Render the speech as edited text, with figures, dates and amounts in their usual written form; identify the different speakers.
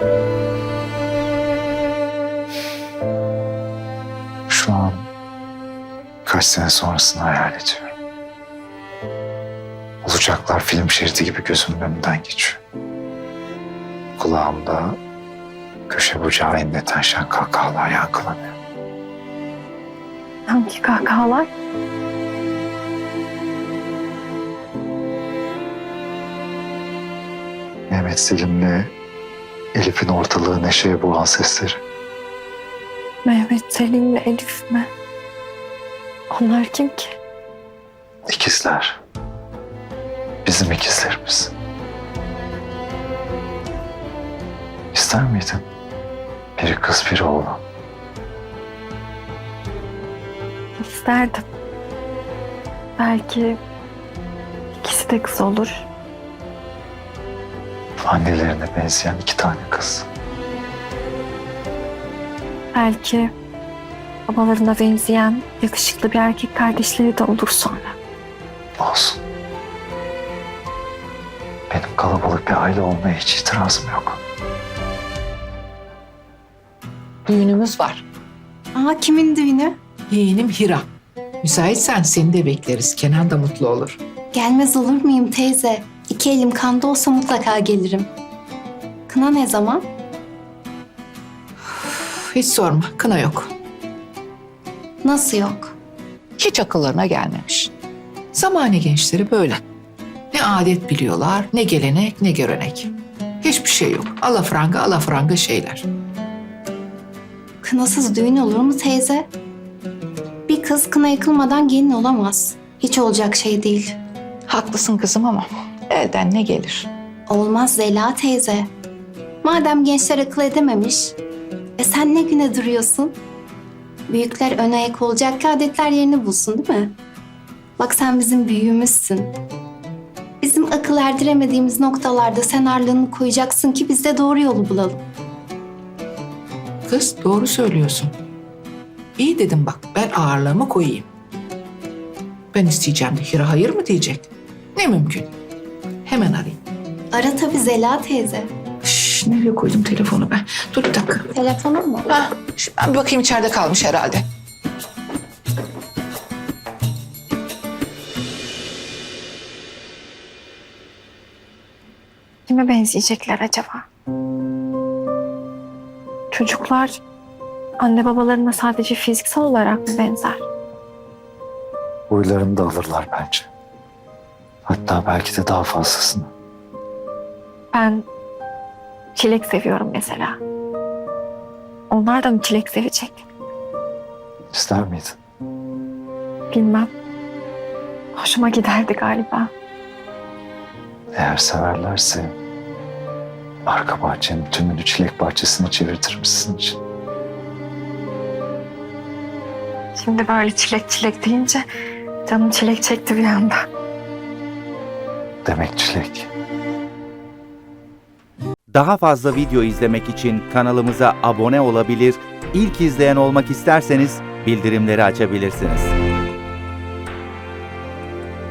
Speaker 1: Şu an kaç sene sonrasını hayal ediyorum. Olacaklar film şeridi gibi gözümün önünden geçiyor. Kulağımda köşe bucağı inleten şen kahkahalar yankılanıyor.
Speaker 2: Hangi kahkahalar?
Speaker 1: Mehmet Selim'le Elif'in ortalığı neşeye boğan sesleri.
Speaker 2: Mehmet Selim'le Elif mi? Onlar kim ki?
Speaker 1: İkizler. Bizim ikizlerimiz. İster miydin? Biri kız, biri oğlan.
Speaker 2: İsterdim. Belki ikisi de kız olur.
Speaker 1: Annelerine benzeyen 2 tane kız.
Speaker 2: Belki babalarına benzeyen yakışıklı bir erkek kardeşleri de olur sonra.
Speaker 1: Olsun. Benim kalabalık bir aile olmaya hiç itirazım yok.
Speaker 3: Düğünümüz var.
Speaker 4: Aa, kimin düğünü?
Speaker 3: Yeğenim Hira. Müsaitsen seni de bekleriz. Kenan da mutlu olur.
Speaker 4: Gelmez olur muyum teyze? 2 elim kanda olsa mutlaka gelirim. Kına ne zaman?
Speaker 3: Hiç sorma. Kına yok.
Speaker 4: Nasıl yok?
Speaker 3: Hiç akıllarına gelmemiş. Zamane gençleri böyle. Ne adet biliyorlar, ne gelenek, ne görenek. Hiçbir şey yok. Alafranga şeyler.
Speaker 4: Kınasız düğün olur mu teyze? Bir kız kına yakılmadan gelin olamaz. Hiç olacak şey değil.
Speaker 3: Haklısın kızım ama elden ne gelir?
Speaker 4: Olmaz Zela teyze. Madem gençler akıl edememiş, sen ne güne duruyorsun? Büyükler ön ayak olacak ki adetler yerini bulsun değil mi? Bak sen bizim büyüğümüzsün. Bizim akıl erdiremediğimiz noktalarda sen ağırlığını koyacaksın ki biz de doğru yolu bulalım.
Speaker 3: Kız doğru söylüyorsun. İyi dedim bak, ben ağırlığımı koyayım. Ben isteyeceğim de Hira hayır mı diyecek? Ne mümkün. Hemen arayayım.
Speaker 4: Ara tabii Zela teyze.
Speaker 3: Şş, nereye koydum telefonu ben? Dur bir dakika.
Speaker 4: Telefonun mu?
Speaker 3: Ben bir bakayım, içeride kalmış herhalde.
Speaker 2: Kime benzeyecekler acaba? Çocuklar anne babalarına sadece fiziksel olarak mı benzer?
Speaker 1: Huylarını da alırlar bence. Hatta belki de daha fazlasını.
Speaker 2: Ben çilek seviyorum mesela. Onlar da mı çilek sevecek?
Speaker 1: İster miydin?
Speaker 2: Bilmem. Hoşuma giderdi galiba.
Speaker 1: Eğer severlerse arka bahçenin tümünü çilek bahçesine çevirtirim sizin için.
Speaker 2: Şimdi böyle çilek çilek deyince canım çilek çekti bir anda.
Speaker 1: Demek çilek.
Speaker 5: Daha fazla video izlemek için kanalımıza abone olabilir, ilk izleyen olmak isterseniz bildirimleri açabilirsiniz.